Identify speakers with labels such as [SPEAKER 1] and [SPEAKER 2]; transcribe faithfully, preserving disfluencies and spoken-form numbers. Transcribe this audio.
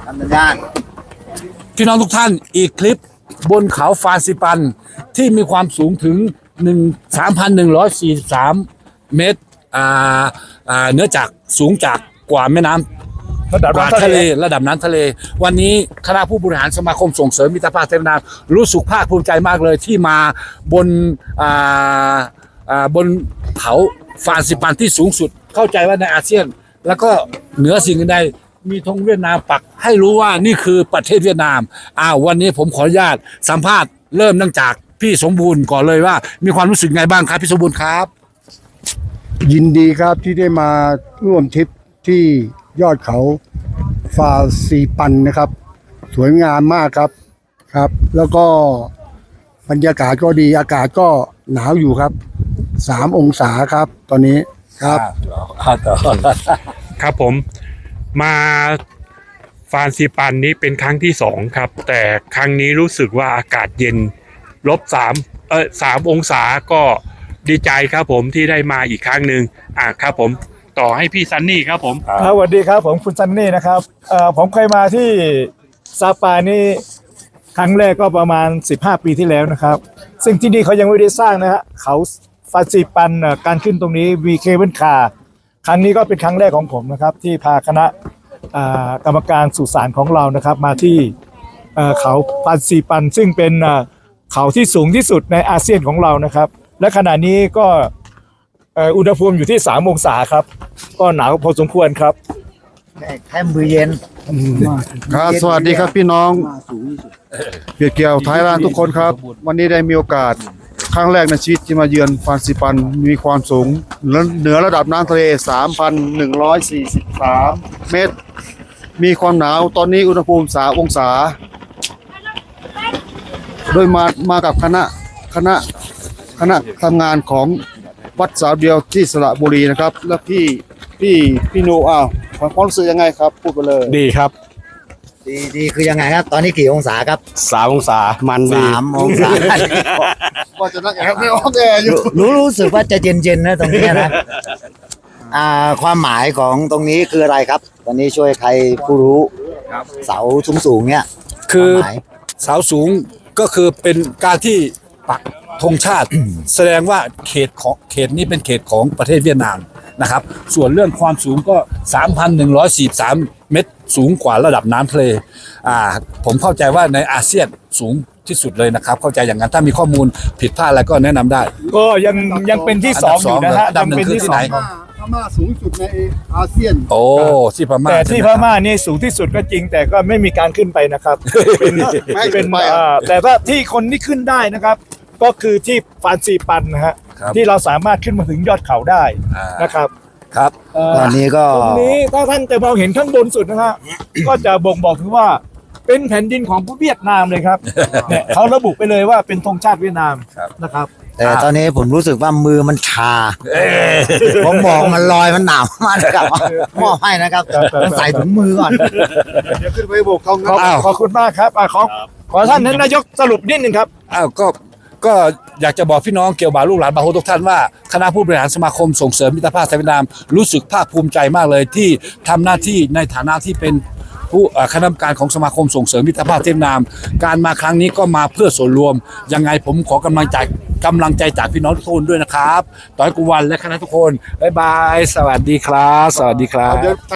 [SPEAKER 1] ทำสัญญาณ
[SPEAKER 2] พี่น้องทุกท่านอีกคลิปบนเขาฟานซิปันที่มีความสูงถึง สามพันหนึ่งร้อยสี่สิบสาม เมตรอ่าอ่าเนื้อจากสูงจากกว่าแม่น้ำ
[SPEAKER 3] ระดับ
[SPEAKER 2] กว่า
[SPEAKER 3] น้ำทะ
[SPEAKER 2] ทะ
[SPEAKER 3] เล
[SPEAKER 2] เลระดับน้ำทะเลวันนี้คณะผู้บริหารสมาคมส่งเสริมมิตรภาพไทยเวียดนามรู้สึกภาคภูมิใจมากเลยที่มาบนอ่าอ่าบนเขาฟานซิปันที่สูงสุดเข้าใจว่าในอาเซียนแล้วก็เหนือสิ่งอื่นใดมีธงเวียดนามปักให้รู้ว่านี่คือประเทศเวียดนามอ้าววันนี้ผมขออนุญาตสัมภาษณ์เริ่มตั้งจากพี่สมบูรณ์ก่อนเลยว่ามีความรู้สึกไงบ้างครับพี่สมบูรณ์ครับ
[SPEAKER 3] ยินดีครับที่ได้มาร่วมทริปที่ยอดเขาฟาซีปันนะครับ สวยงามมากครับครับ แล้วก็บรรยากาศก็ดีอากาศก็หนาวอยู่ครับสามองศาครับตอนนี้ครับ
[SPEAKER 4] ครับผมมาฟานซิปันนี้เป็นครั้งที่สองครับแต่ครั้งนี้รู้สึกว่าอากาศเย็นลบสามเออสามองศาก็ดีใจครับผมที่ได้มาอีกครั้งหนึ่งอ่ะครับผมต่อให้พี่ซันนี่ครับผม
[SPEAKER 5] ครับสวัสดีครับผมคุณซันนี่นะครับเอ่อผมเคยมาที่ซาปานี่ครั้งแรกก็ประมาณสิบห้าปีที่แล้วนะครับซึ่งที่นี่เขายังไม่ได้สร้างนะฮะเขาฟาซิปันเอ่อการขึ้นตรงนี้วีเคเบิลคาร์ครั้งนี้ก็เป็นครั้งแรกของผมนะครับที่พาคณะอ่ากรรมการสุสานของเรานะครับมาที่เอ่อเขาฟาซิปันซึ่งเป็นเอ่อเขาที่สูงที่สุดในอาเซียนของเรานะครับและขณะนี้ก็เอ่ออุณหภูมิอยู่ที่สามองศาครับก็หนาวพอสมควรครับ
[SPEAKER 1] แค่มือเย็น
[SPEAKER 3] ครับสวัสดีครับพี่น้องเกียรติเกี่ยวไทยแลนด์ทุกคนครับ วันนี้ได้มีโอกาสครั้งแรกในชีวิตที่มาเยือนฟานซิปันมีความสูงเหนือระดับน้ำทะเล สามพันหนึ่งร้อยสี่สิบสาม เมตร มีความหนาวตอนนี้อุณหภูมิสามองศา โดยมามากับคณะคณะคณะทำงานของวัดสาวเดียวที่สระบุรีนะครับ แล้วพี่พี่พี่นูอ้าวความรู้สึกยังไงครับพูดไปเลย
[SPEAKER 6] ดีครับ
[SPEAKER 1] ดีดีคือยังไงครับ ตอนนี้กี่องศาครับ
[SPEAKER 6] สามองศามันดี
[SPEAKER 1] สามองศา
[SPEAKER 3] ว่าจะนั่งแอบไม่ออกแอร์อยู่
[SPEAKER 1] รู้รู้สึกว่าจะเย็นๆนะตรงนี้นะอ่าความหมายของตรงนี้คืออะไรครับตอนนี้ช่วยใครผู้รู้เสาสูงๆเนี่ย
[SPEAKER 2] คือ
[SPEAKER 1] วามหมาย
[SPEAKER 2] เสาสูงก็คือเป็นการที่ปักธงชาติ แสดงว่าเขตของเขตนี้เป็นเขตของประเทศเวียดนามนะครับส่วนเรื่องความสูงก็ สามพันหนึ่งร้อยสี่สิบสาม เมตรสูงกว่าระดับน้ำทะเลอ่าผมเข้าใจว่าในอาเซียนสูงที่สุดเลยนะครับเข้าใจอย่างนั้นถ้ามีข้อมูลผิดพลาดอะไรก็แนะนำได้
[SPEAKER 5] ก็ยังยังเป็นที่สองอยู่นะฮะ
[SPEAKER 2] อันดับสอง
[SPEAKER 5] ยังเป็นที่
[SPEAKER 2] คือที่
[SPEAKER 5] ส
[SPEAKER 2] ไห
[SPEAKER 5] อน ง
[SPEAKER 3] พม่าสูงสุดในอาเซียน
[SPEAKER 2] โอ้ที่พม่า
[SPEAKER 5] แต่ที่
[SPEAKER 2] ใช่
[SPEAKER 5] พ
[SPEAKER 2] ไหครับ
[SPEAKER 5] ม่านี่สูงที่สุดก็จริง แต่ก็ไม่มีการขึ้นไปนะครับเป็น
[SPEAKER 3] ไม่
[SPEAKER 5] เป็น
[SPEAKER 3] ไปอ่ะ
[SPEAKER 5] อ่าแต่ว่าที่คนที่ขึ้นได้นะครับ ก็คือที่ฟานซีปันนะฮะ
[SPEAKER 2] ครับ
[SPEAKER 5] ที่เราสามารถขึ้นมาถึงยอดเขาได้
[SPEAKER 2] อ่าน
[SPEAKER 5] นะครับ
[SPEAKER 2] ครับ
[SPEAKER 5] เอ่อ
[SPEAKER 1] ตอนนี้ก็
[SPEAKER 5] ตรงนี้ถ้าท่านจะมองเห็นข้างบนสุดนะฮะ ก็จะบ่งบอกถึงว่าเป็นแผ่นดินของเวียดนามเลยครับเนี่ยเขาระบุไปเลยว่าเป็นธงชาติเวียดนามนะครับ
[SPEAKER 1] แต่ตอนนี้ผมรู้สึกว่ามือมันชาผมบอกมันลอยมันหนาวมากครับมอบให้นะครับใส่ถุงมือก่อน
[SPEAKER 3] เดี๋ยวขึ้นไปโบกเขา
[SPEAKER 5] ขอบ
[SPEAKER 2] อ้าว
[SPEAKER 5] ขอบคุณมากครับอ่ะขอขอท่านนายกสรุปนิดนึงครับ
[SPEAKER 2] อ้าวก็ก็อยากจะบอกพี่น้องเกี่ยวบ่าวลูกหลานบาโฮทุกท่านว่าคณะผู้บริหารสมาคมส่งเสริมมิตรภาพไทยเวียดนามรู้สึกภาคภูมิใจมากเลยที่ทำหน้าที่ในฐานะที่เป็นผู้เอ่อคณะกรรมการของสมาคมส่งเสริมมิตรภาพไทยเวียดนาม การมาครั้งนี้ก็มาเพื่อส่วนรวมยังไงผมขอกำลังใจกำลังใจจากพี่น้องทุกคนด้วยนะครับต่อยกุวันและคณะทุกคนบ๊ายบายสวัสดีครับ สวัสดีครับ